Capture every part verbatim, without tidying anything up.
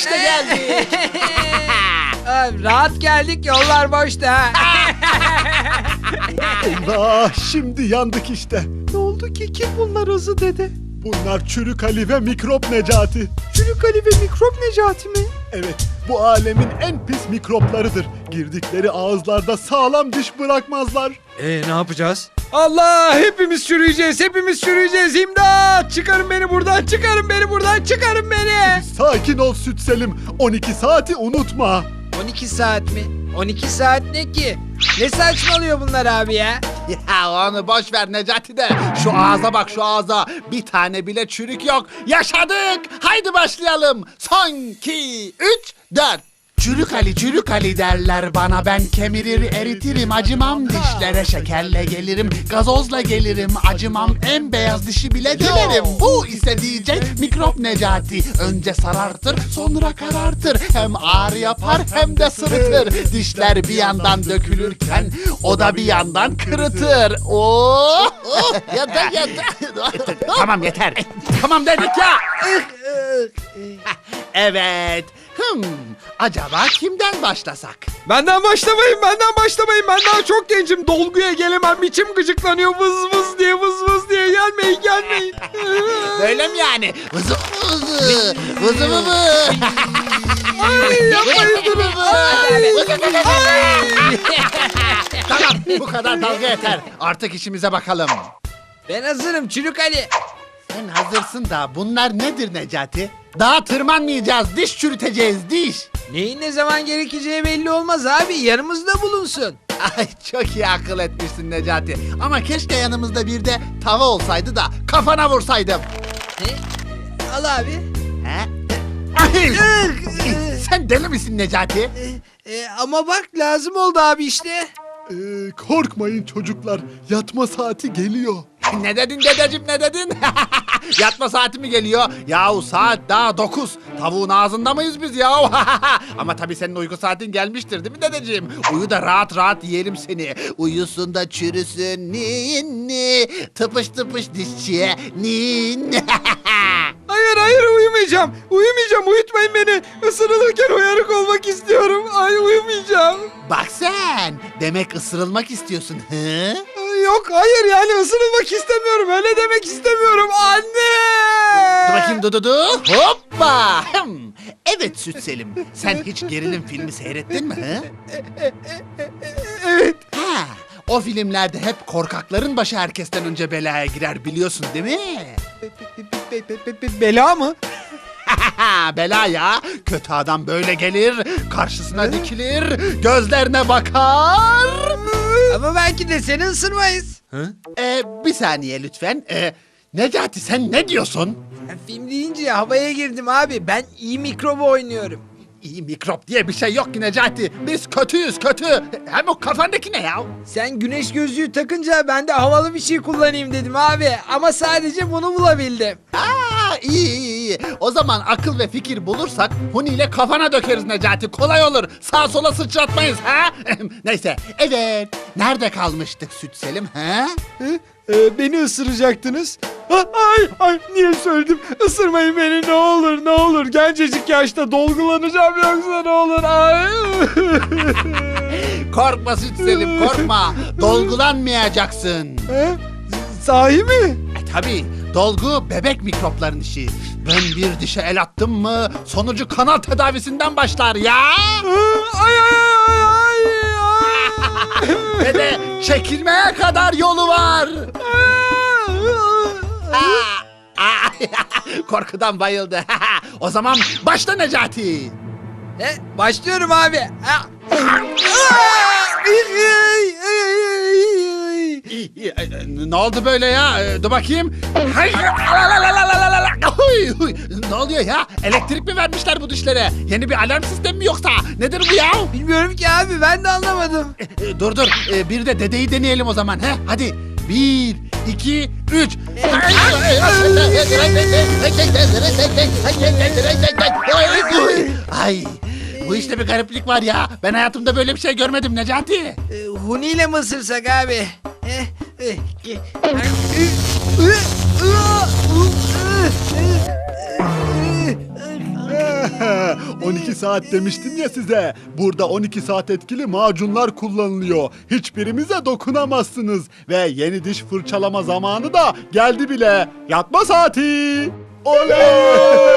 İşte geldik. Abi, rahat geldik, yollar boşta. Eyvah, şimdi yandık işte. Ne oldu ki? Kim bunlar Hızlı dede? Bunlar Çürük Ali ve Mikrop Necati. Çürük Ali ve Mikrop Necati mi? Evet, bu alemin en pis mikroplarıdır. Girdikleri ağızlarda sağlam diş bırakmazlar. Ee ne yapacağız? Allah, hepimiz çürüyeceğiz, hepimiz çürüyeceğiz. İmdat! Çıkarın beni buradan, çıkarın beni buradan, çıkarın beni. Sakin ol Süt Selim, on iki saati unutma. on iki saat mi? on iki saat ne ki? Ne saçmalıyor bunlar abi ya? Ya onu boş ver Necati de. Şu ağza bak, şu ağza. Bir tane bile çürük yok. Yaşadık. Haydi başlayalım. Son, iki, üç, dört. Çürük Ali, çürük Ali derler bana. Ben kemirir eritirim, acımam dişlere. Şekerle gelirim, gazozla gelirim. Acımam, en beyaz dişi bile dilerim. Bu ise diyecek mikrop Necati. Önce sarartır, sonra karartır. Hem ağrı yapar hem de sırıtır. Dişler bir yandan dökülürken o da bir yandan kırıtır. Oh! Oh! Yeter, yeter. Tamam yeter. Tamam dedik ya. Evet. Hmm, acaba kimden başlasak? Benden başlamayın, benden başlamayın. Ben daha çok gencim. Dolguya gelemem. İçim gıcıklanıyor. Vız vız diye, vız vız diye. Gelmeyin, gelmeyin. Böyle mi yani? Vızı vızı. Vızı vızı. Ay, yapmayın durun. Tamam, bu kadar dalga yeter. Artık işimize bakalım. Ben hazırım Çürük Ali. Sen hazırsın da bunlar nedir Necati? Daha tırmanmayacağız, diş çürüteceğiz, diş. Neyin ne zaman gerekeceği belli olmaz abi. Yanımızda bulunsun. Ay çok iyi akıl etmişsin Necati. Ama keşke yanımızda bir de tava olsaydı da kafana vursaydım. Ne? Al abi. He? Ay! Sen deli misin Necati? E, ama bak lazım oldu abi işte. Ee, korkmayın çocuklar, yatma saati geliyor. Ne dedin dedeciğim, ne dedin? Yatma saati mi geliyor? Yahu saat daha dokuz. Tavuğun ağzında mıyız biz yahu? Ama tabii senin uyku saatin gelmiştir değil mi dedeciğim? Uyu da rahat rahat yiyelim seni. Uyusun da çürüsün ninni. Tıpış tıpış dişçiye ninni. Hayır, hayır, uyumayacağım. Uyumayacağım, uyutmayın beni. Isırılırken uyanık olmak istiyorum. Ay, uyumayacağım. Bak sen, demek ısırılmak istiyorsun hı? Yok, hayır, yani ısırılmak istemiyorum. Öyle demek istemiyorum. Anne! Dur bakayım Dududu. Hoppa. Hım. Evet Süt Selim. Sen hiç gerilim filmi seyrettin mi? Hı? Evet. Ha, o filmlerde hep korkakların başı herkesten önce belaya girer biliyorsun değil mi? Be- be- be- be- bela mı? Bela ya. Kötü adam böyle gelir, karşısına dikilir, gözlerine bakar. Ama belki de seni ısırmayız. Ee, bir saniye lütfen. Ee, Necati sen ne diyorsun? Ben film deyince havaya girdim abi. Ben iyi mikrobu oynuyorum. İyi mikrop diye bir şey yok ki Necati. Biz kötüyüz kötü. Hem o kafandaki ne ya? Sen güneş gözlüğü takınca ben de havalı bir şey kullanayım dedim abi. Ama sadece bunu bulabildim. Aa, iyi iyi iyi. O zaman akıl ve fikir bulursak Huni ile kafana dökeriz Necati. Kolay olur. Sağa sola sıçratmayız ha? Neyse. Evet. Nerede kalmıştık Süt Selim ha? Hı? Ee, beni ısıracaktınız. Ha, ay, ay, niye söyledim? Isırmayın beni, ne olur, ne olur. Gencecik yaşta dolgulanacağım yoksa ne olur. Ay. Korkma Süt Selim korkma. Dolgulanmayacaksın. Ha? Sahi mi? E tabi dolgu bebek mikropların işi. Ben bir dişe el attım mı sonucu kanal tedavisinden başlar ya. Ay, ay, ay, ay, Ve de çekilmeye kadar yolu var. Aa, aa, korkudan bayıldı. O zaman başla Necati. E, başlıyorum abi. Ha. Ne oldu böyle ya? Dur bakayım. Ne oluyor ya? Elektrik mi vermişler bu dişlere? Yeni bir alarm sistemi mi yoksa? Nedir bu ya? Bilmiyorum ki abi, ben de anlamadım. Dur dur. Bir de dedeyi deneyelim o zaman. He? Hadi. Bir, iki, üç. Ay. Bu işte bir gariplik var ya. Ben hayatımda böyle bir şey görmedim Necati. E, Huni ile mi ısırsak abi? E, e, e, on iki saat demiştim ya size. Burada on iki saat etkili macunlar kullanılıyor. Hiçbirimize dokunamazsınız. Ve yeni diş fırçalama zamanı da geldi bile. Yatma saati. Oley!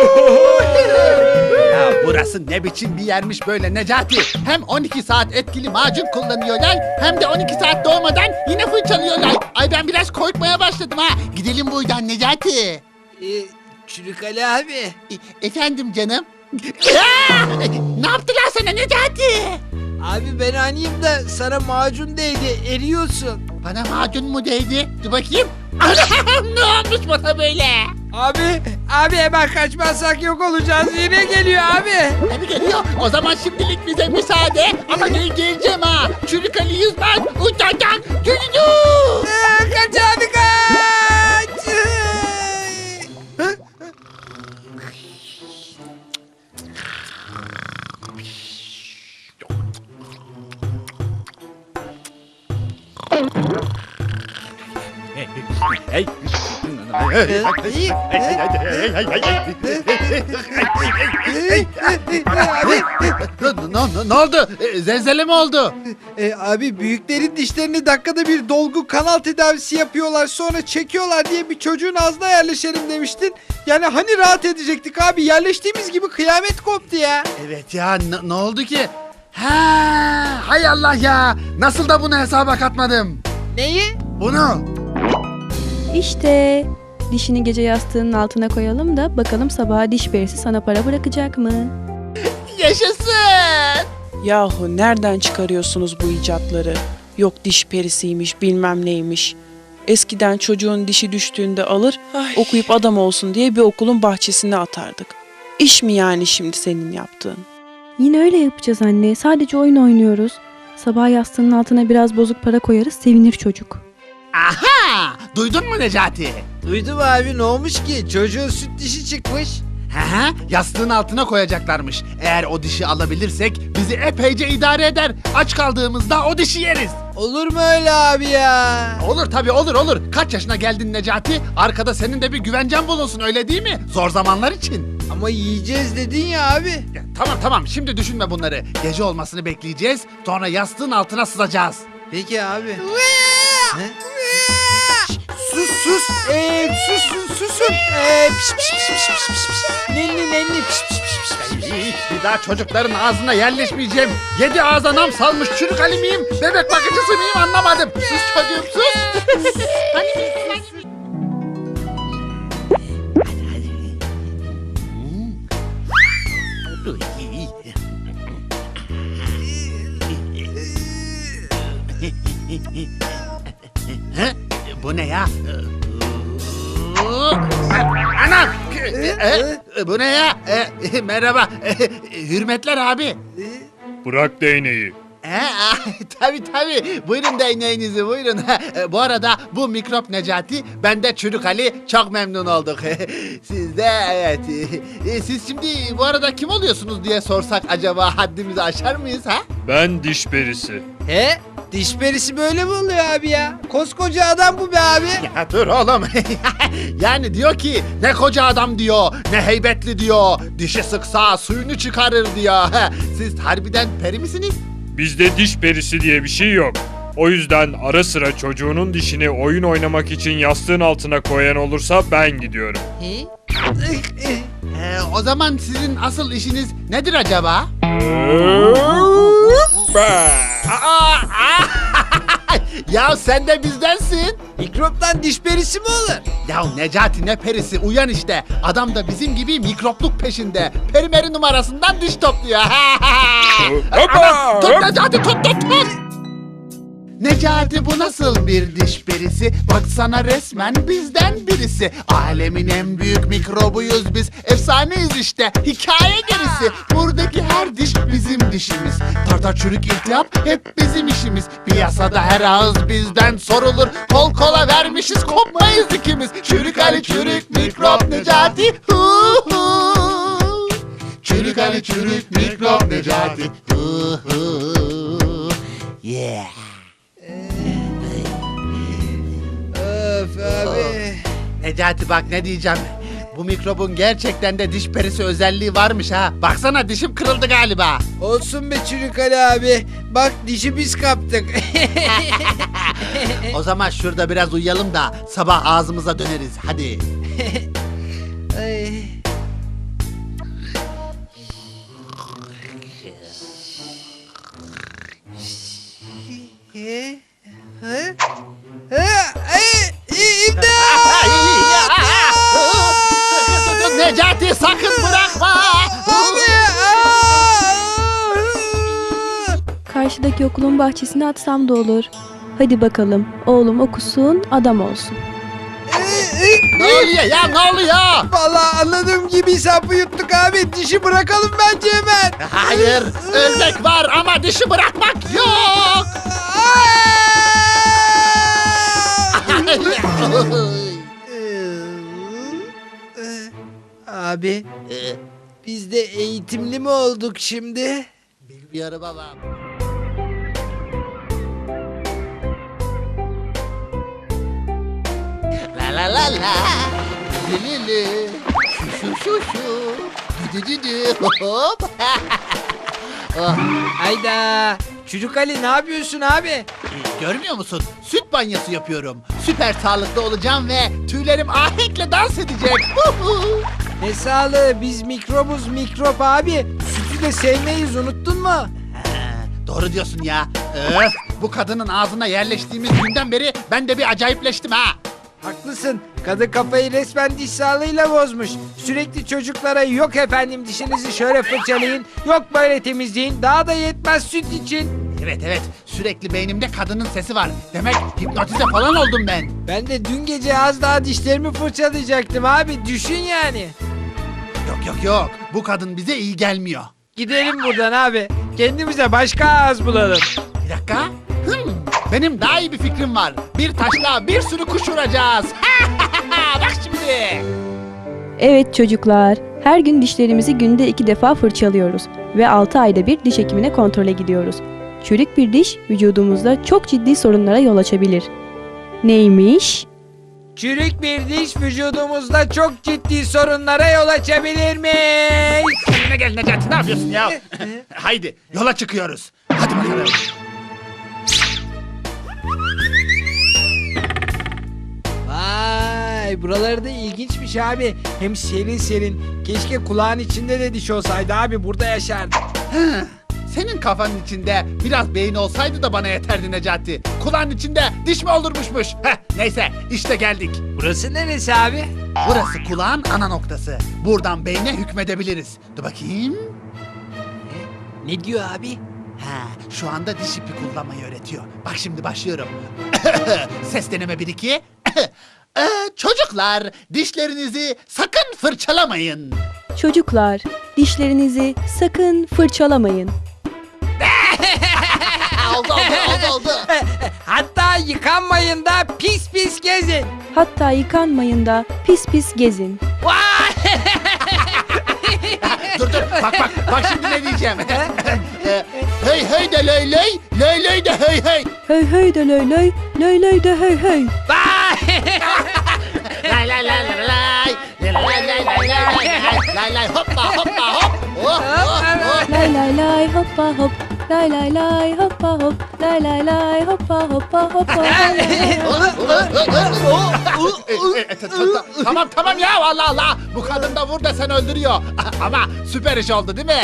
Ya burası ne biçim bir yermiş böyle Necati. Hem on iki saat etkili macun kullanıyorlar hem de on iki saat doğmadan yine fırçalıyorlar. Ay ben biraz korkmaya başladım ha. Gidelim buradan Necati. Ee, Çürük Ali abi. E- efendim canım. Aa! Ne yaptılar sana Necati? Abi ben anıyım da sana macun değdi, eriyorsun. Bana macun mu değdi? Dur bakayım. Anam ne olmuş bana böyle? Abi, abi hemen kaçmazsak yok olacağız. Yine geliyor abi. Tabii geliyor. O zaman şimdilik bize müsaade. Ama gel geleceğim ha. Çürük Ali Yüzmez. Uçacak. Yürüdü. Ee, kaç abi kaç. Hey. Ne, ne, ne oldu? E, Zelzele mi oldu? Ee, abi büyüklerin dişlerini dakikada bir dolgu kanal tedavisi yapıyorlar sonra çekiyorlar diye bir çocuğun ağzına yerleşelim demiştin. Yani hani rahat edecektik abi yerleştiğimiz gibi kıyamet koptu ya. Evet ya ne, ne oldu ki? Ha, hay Allah ya. Nasıl da bunu hesaba katmadım? Neyi? Bunu. İşte dişini gece yastığının altına koyalım da bakalım sabaha diş perisi sana para bırakacak mı? Yaşasın. Yahu nereden çıkarıyorsunuz bu icatları? Yok diş perisiymiş bilmem neymiş. Eskiden çocuğun dişi düştüğünde alır okuyup adam olsun diye bir okulun bahçesine atardık. İş mi yani şimdi senin yaptığın? Yine öyle yapacağız anne. Sadece oyun oynuyoruz. Sabah yastığının altına biraz bozuk para koyarız, sevinir çocuk. Aha! Duydun mu Necati? Duydum abi ne olmuş ki çocuğun süt dişi çıkmış. Aha, yastığın altına koyacaklarmış. Eğer o dişi alabilirsek bizi epeyce idare eder. Aç kaldığımızda o dişi yeriz. Olur mu öyle abi ya? Olur tabii olur olur. Kaç yaşına geldin Necati? Arkada senin de bir güvencen bulunsun öyle değil mi? Zor zamanlar için. Ama yiyeceğiz dedin ya abi. Ya, tamam tamam şimdi düşünme bunları. Gece olmasını bekleyeceğiz. Sonra yastığın altına sızacağız. Peki abi. Ne? Şş, sus sus. Ee, susun susun. Ee, piş piş piş piş piş piş piş. Nenni nenni piş piş piş piş piş. İyi, bir daha çocukların ağzına yerleşmeyeceğim. Yedi ağza nam salmış çürük Ali miyim? Bebek bakıcısı mıyım anlamadım. Sus çocuğum sus. Hani biz- hani- He? Bu ne ya? Anam! E, e, Bu ne ya? E, merhaba. E, Hürmetler abi. Bırak değneği. He, ah, tabii tabii. Buyurun değneğinizi buyurun. E, Bu arada bu mikrop Necati, ben de Çürük Ali. Çok memnun olduk. Siz de evet. E, Siz şimdi bu arada kim oluyorsunuz diye sorsak acaba haddimizi aşar mıyız ha? Ben diş perisi. He? Diş perisi böyle mi oluyor abi ya? Koskoca adam bu be abi. Ya dur oğlum. Yani diyor ki ne koca adam diyor, ne heybetli diyor. Dişi sıksa suyunu çıkarır diyor. Siz harbiden peri misiniz? Bizde diş perisi diye bir şey yok. O yüzden ara sıra çocuğunun dişini oyun oynamak için yastığın altına koyan olursa ben gidiyorum. He? Ee, o zaman sizin asıl işiniz nedir acaba? Aa, aa! Ya sen de bizdensin. Mikroptan diş perisi mi olur? Ya Necati ne perisi uyan işte. Adam da bizim gibi mikropluk peşinde. Perimeri numarasından diş topluyor. Aman, tut Necati tut tut tut. Necati bu nasıl bir diş perisi? Baksana resmen bizden birisi. Alemin en büyük mikrobuyuz biz. Efsaneyiz işte. Hikaye gerisi. Buradaki her diş bizim dişimiz. Tartar çürük iltihap hep bizim işimiz. Piyasada her ağız bizden sorulur. Kol kola vermişiz kopmayız ikimiz. Çürük Ali çürük mikrop Necati. Hu hu. Çürük Ali çürük mikrop Necati. Hu hu. Yeah. Öf abi. Necati bak ne diyeceğim. Bu mikrobun gerçekten de diş perisi özelliği varmış ha. Baksana dişim kırıldı galiba. Olsun be Çürük Ali abi. Bak dişi biz kaptık. O zaman şurada biraz uyuyalım da sabah ağzımıza döneriz. Hadi. Ay. Ee, hı? Hı? Ay, İmdat! Necati sakın bırakma. Abi! Karşıdaki okulun bahçesine atsam da olur. Hadi bakalım, oğlum okusun, adam olsun. Ne oluyor ya ne oluyor? Vallahi anladığım gibi sapı yuttuk abi. Dişi bırakalım bence hemen. Hayır ölmek var ama dişi bırakmak yok. Abi Ee, biz de eğitimli mi olduk şimdi? Bilmiyorum ama. La la la la. Li li li. Şu şu şu şu. Dü dü dü dü. Hop. Oh. Hayda. Çocuk Ali ne yapıyorsun abi? Görmüyor musun? Süt banyosu yapıyorum. Süper sağlıklı olacağım ve tüylerim ahenkle dans edecek. Ne sağlığı biz mikrobuz mikrop abi. Sütü de sevmeyiz unuttun mu? Ha, doğru diyorsun ya. Öf, bu kadının ağzına yerleştiğimiz günden beri ben de bir acayipleştim ha. Haklısın. Kadın kafayı resmen diş sağlığıyla bozmuş. Sürekli çocuklara yok efendim dişinizi şöyle fırçalayın, yok böyle temizleyin. Daha da yetmez süt için. Evet evet sürekli beynimde kadının sesi var. Demek hipnotize falan oldum ben. Ben de dün gece az daha dişlerimi fırçalayacaktım abi. Düşün yani. Yok yok yok bu kadın bize iyi gelmiyor. Gidelim buradan abi. Kendimize başka ağız bulalım. Bir dakika. Hmm, benim daha iyi bir fikrim var. Bir taşla bir sürü kuş vuracağız. Bak şimdi. Evet çocuklar, her gün dişlerimizi günde iki defa fırçalıyoruz ve altı ayda bir diş hekimine kontrole gidiyoruz. Çürük bir diş vücudumuzda çok ciddi sorunlara yol açabilir. Neymiş? Çürük bir diş vücudumuzda çok ciddi sorunlara yol açabilirmiş. Kendine gel Necati ne yapıyorsun ya? Haydi yola çıkıyoruz. Hadi bakalım. Vay buraları da ilginçmiş abi. Hem serin serin. Keşke kulağın içinde de diş olsaydı abi burada yaşardım. Senin kafanın içinde biraz beyin olsaydı da bana yeterdi Necati. Kulağın içinde diş mi olurmuşmuş? Heh, neyse işte geldik. Burası neresi abi? Burası kulağın ana noktası. Buradan beyne hükmedebiliriz. Dur bakayım. Ne diyor abi? Ha, şu anda diş ipi kullanmayı öğretiyor. Bak şimdi başlıyorum. Ses deneme bir iki. Ee, çocuklar dişlerinizi sakın fırçalamayın. Çocuklar, dişlerinizi sakın fırçalamayın. oldu oldu oldu oldu. Hatta yıkanmayın da pis pis gezin. Hatta yıkanmayın da pis pis gezin. dur dur bak bak bak şimdi ne diyeceğim. Ee, hey hey de ley ley, ley ley de hey hey. Hey hey de löy löy, löy löy de hey hey. Lay lay lay lay lay. Lay lay lay lay lay. Lay lay hoppa hoppa hop. Oh, oh, oh. Lay lay lay hoppa hop. Lay lay lay hoppa hop. Lay lay lay hoppa hoppa hoppa. lay lay lay. Tamam tamam ya Allah Allah. Bu kadın da vur desen öldürüyor. Ama süper iş oldu değil mi?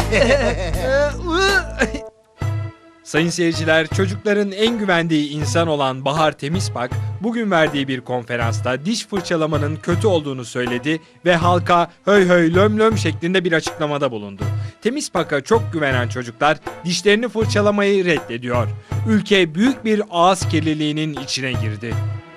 Sayın seyirciler, çocukların en güvendiği insan olan Bahar Temizpak, bugün verdiği bir konferansta diş fırçalamanın kötü olduğunu söyledi ve halka höy höy löm löm şeklinde bir açıklamada bulundu. Temizpak'a çok güvenen çocuklar dişlerini fırçalamayı reddediyor. Ülke büyük bir ağız kirliliğinin içine girdi.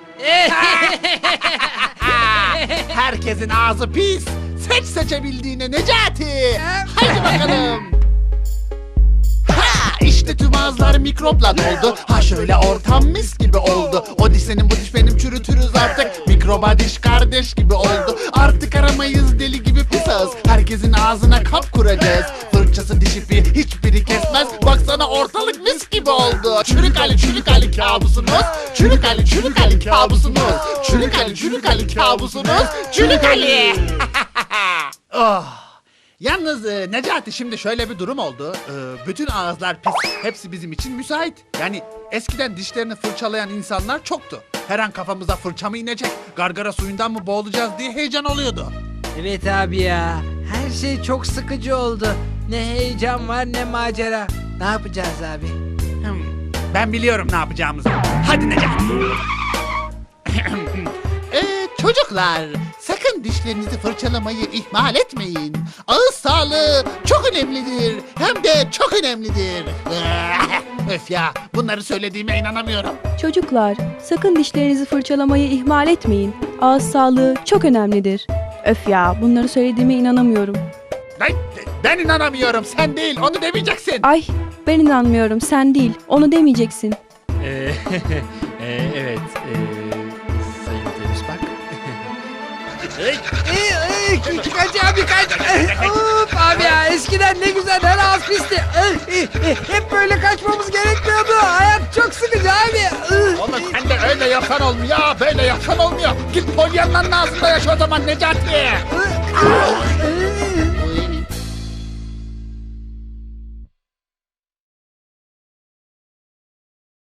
Herkesin ağzı pis. Seç seçebildiğine Necati. Haydi bakalım. Ha, işte tüm ağızlar mikropla doldu. Ha şöyle ortam mis gibi oldu. O diş senin bu diş benim çürütürüz artık. Mikroba diş kardeş gibi oldu. Artık aramayız deli gibi pis ağız. Herkesin ağzına kap kuracağız. Fırçası diş ipi hiçbiri kesmez. Baksana Ortalık mis gibi oldu. Çürük Ali, çürük Ali kabusunuz. Çürük Ali, çürük Ali kabusunuz. Çürük Ali, çürük Ali kabusunuz. Çürük Ali. Oh. Yalnız e, Necati şimdi şöyle bir durum oldu. E, bütün ağızlar pis. Hepsi bizim için müsait. Yani eskiden dişlerini fırçalayan insanlar çoktu. Her an kafamıza fırça mı inecek, gargara suyundan mı boğulacağız diye heyecan oluyordu. Evet abi ya. Her şey çok sıkıcı oldu. Ne heyecan var ne macera. Ne yapacağız abi? Hmm, ben biliyorum ne yapacağımızı. Hadi Necati. Ee, çocuklar, sakın dişlerinizi fırçalamayı ihmal etmeyin. Ağız sağlığı çok önemlidir. Hem de çok önemlidir. Öf ya, bunları söylediğime inanamıyorum. Çocuklar, sakın dişlerinizi fırçalamayı ihmal etmeyin. Ağız sağlığı çok önemlidir. Öf ya, bunları söylediğime inanamıyorum. Ben, ben inanamıyorum, sen değil, onu demeyeceksin. Ay, ben inanmıyorum, sen değil. Onu demeyeceksin. Ee, e, evet, e, Sayın Temiz Bak. Ee, ee, kaç abi kaç. Ee, Of abi ya eskiden ne güzel her ağız pisti. Ee, ee, ee, Hep böyle kaçmamız gerekmiyordu. Hayat çok sıkıcı abi. Ee. Oğlum sen de öyle yapsan olmuyor, böyle yapsan olmuyor. Git Pollyanna'nın ağzında yaşa o zaman Necati. Ee,